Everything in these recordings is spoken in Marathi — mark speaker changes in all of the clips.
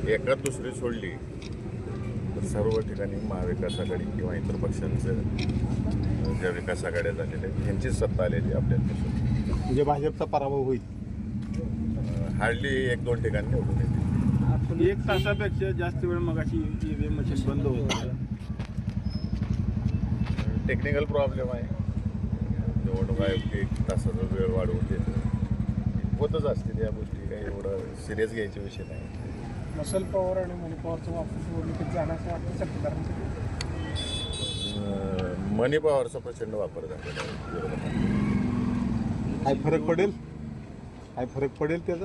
Speaker 1: एकात दुसरी सोडली तर सर्व ठिकाणी महाविकास आघाडी किंवा इतर पक्षांचं ज्या विकास आघाड्या झालेल्या आहेत ह्यांचीच सत्ता आलेली आपल्यापासून.
Speaker 2: म्हणजे भाजपचा पराभव होईल.
Speaker 1: हार्डली 1-2 ठिकाणी निवडून येते.
Speaker 3: 1 तासापेक्षा जास्त वेळ मगाशी EVM मशीन बंद होतं.
Speaker 1: टेक्निकल प्रॉब्लेम आहे. निवडणूक आयोग 1 तासाचा वेळ वाढवून देतं. होतच असतील या गोष्टी, काही एवढं सिरियस घ्यायचे विषय नाही.
Speaker 4: मसल पॉवर आणि मनी पॉवरचा वापर निवडणुकीत जाण्याचं वाटतं सत्तेदारांचं.
Speaker 1: मनी पॉवरचा प्रचंड वापर झालेला आहे विरोधात.
Speaker 2: काय फरक पडेल? काय फरक पडेल त्याचा?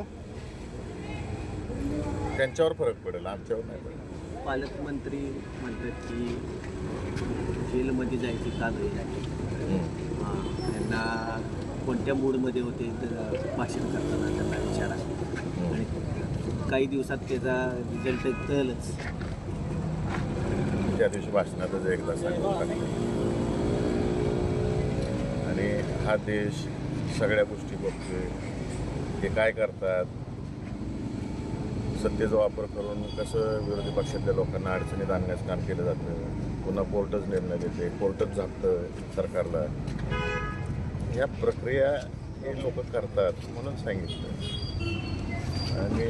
Speaker 1: त्यांच्यावर फरक पडेल, आमच्यावर नाही पडेल.
Speaker 5: पालकमंत्री म्हणतात की जेलमध्ये जायची का नाही आहे. त्यांना कोणत्या मूडमध्ये होते तर भाषण करताना त्यांना विचारा आणि काही दिवसात त्याचा रिझल्ट कळलंच.
Speaker 1: त्या दिवशी भाषणातच एकदा सांगून टाकलं. आणि हा देश सगळ्या गोष्टी बघतोय. हे काय करतात, सत्तेचा वापर करून कसं विरोधी पक्षातल्या लोकांना अडचणीत आणण्याचं काम केलं जातं. पुन्हा कोर्टच निर्णय देते, कोर्टच झापतं सरकारला. ह्या प्रक्रिया हे लोक करतात म्हणून सांगितलं. आणि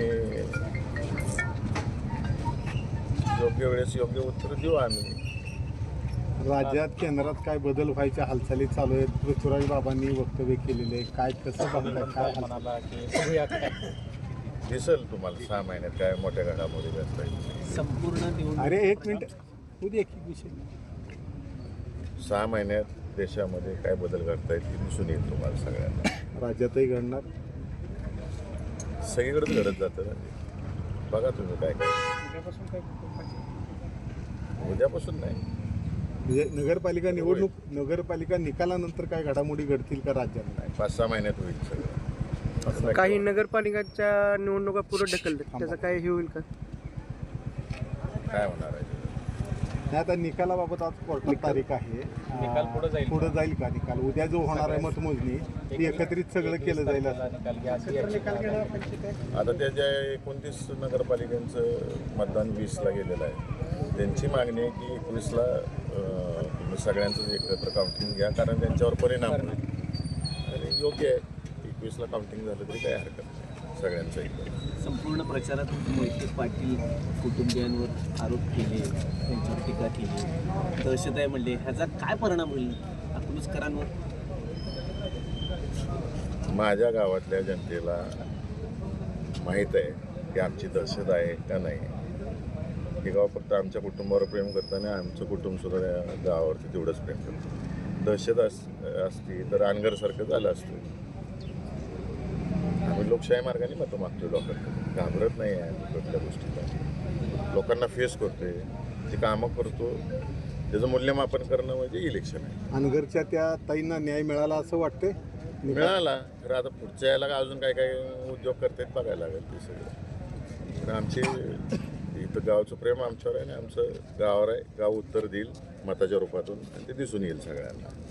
Speaker 1: योग्य वेळेस योग्य उत्तर देऊ आम्ही.
Speaker 2: राज्यात केंद्रात काय बदल व्हायच्या हालचाली चालू आहेत. पृथ्वीराज बाबांनी वक्तव्य केलेले आहे. काय कसं बघताय? काय
Speaker 4: म्हणाला की बघूया काय
Speaker 1: दिसेल तुम्हाला 6 महिन्यात काय मोठ्या घडामोडी घडताय.
Speaker 5: संपूर्ण निवडणूक.
Speaker 2: अरे 1 मिनिट होऊ दे, एक विषय.
Speaker 1: 6 महिन्यात देशामध्ये काय बदल घडतायत ते दिसून येईल तुम्हाला सगळ्यांना.
Speaker 2: राज्यातही घडणार.
Speaker 1: सगळीकडेच घडत जातं ना. बघा तुम्ही काय काय.
Speaker 4: उद्यापासून काय कुटुंबाची
Speaker 1: उद्यापासून नाही,
Speaker 2: म्हणजे नगरपालिका निवडणूक, नगरपालिका निकालानंतर काय घडामोडी घडतील का राज्यात?
Speaker 1: 5-6 महिन्यात होईल सगळं.
Speaker 6: काही नगरपालिकांच्या निवडणुका पुढे ढकलतात, त्याचं काय हे होईल का?
Speaker 1: काय होणार आहे?
Speaker 2: नाही, आता निकालाबाबत आज कोर्टात तारीख आहे.
Speaker 4: निकाल पुढं जाईल.
Speaker 2: पुढे जाईल का निकाल? उद्या जो होणार आहे मतमोजणी ती एकत्रित सगळं केलं जाईल असं.
Speaker 4: निकाल घेणं अपेक्षित आहे.
Speaker 1: आता त्या ज्या 29 नगरपालिकांचं मतदान 20ला गेलेलं आहे, त्यांची मागणी आहे की 21ला तुम्ही सगळ्यांचं एकत्र काउंटिंग घ्या, कारण त्यांच्यावर परिणाम होईल. आणि योग्य आहे, 21ला काउंटिंग झालं तरी काही हरकत नाही सगळ्यांचं एकत्र.
Speaker 5: संपूर्ण प्रचारात मोहिते पाटील कुटुंबियांवर आरोप केले, त्यांच्यावर टीका केली, दहशत आहे म्हणले. ह्याचा काय परिणाम होईल अकलूजकरांवर?
Speaker 1: माझ्या गावातल्या जनतेला माहीत आहे की आमची दहशत आहे का नाही. हे गाव फक्त आमच्या कुटुंबावर प्रेम करतं आणि आमचं कुटुंबसुद्धा या गावावरती तेवढंच प्रेम करतं. दहशत असती तर अनगरसारखं झालं असतं. आम्ही लोकशाही मार्गाने मतं मागतोय लोकांकडे, घाबरत नाही आहे कुठल्या गोष्टीला. लोकांना फेस करतोय, ती कामं करतो. त्याचं मूल्यमापन करणं म्हणजे इलेक्शन आहे.
Speaker 2: अनगरच्या त्या ताईंना न्याय मिळाला असं वाटतंय?
Speaker 1: मिळाला खरं. आता पुढच्या याला अजून काय काय उद्योग करतात बघायला लागेल ते सगळं. पण आमचे इथं गावचं प्रेम आमच्यावर आहे आणि आमचं गावावर आहे. गाव उत्तर देईल मताच्या रूपातून आणि ते दिसून येईल सगळ्यांना.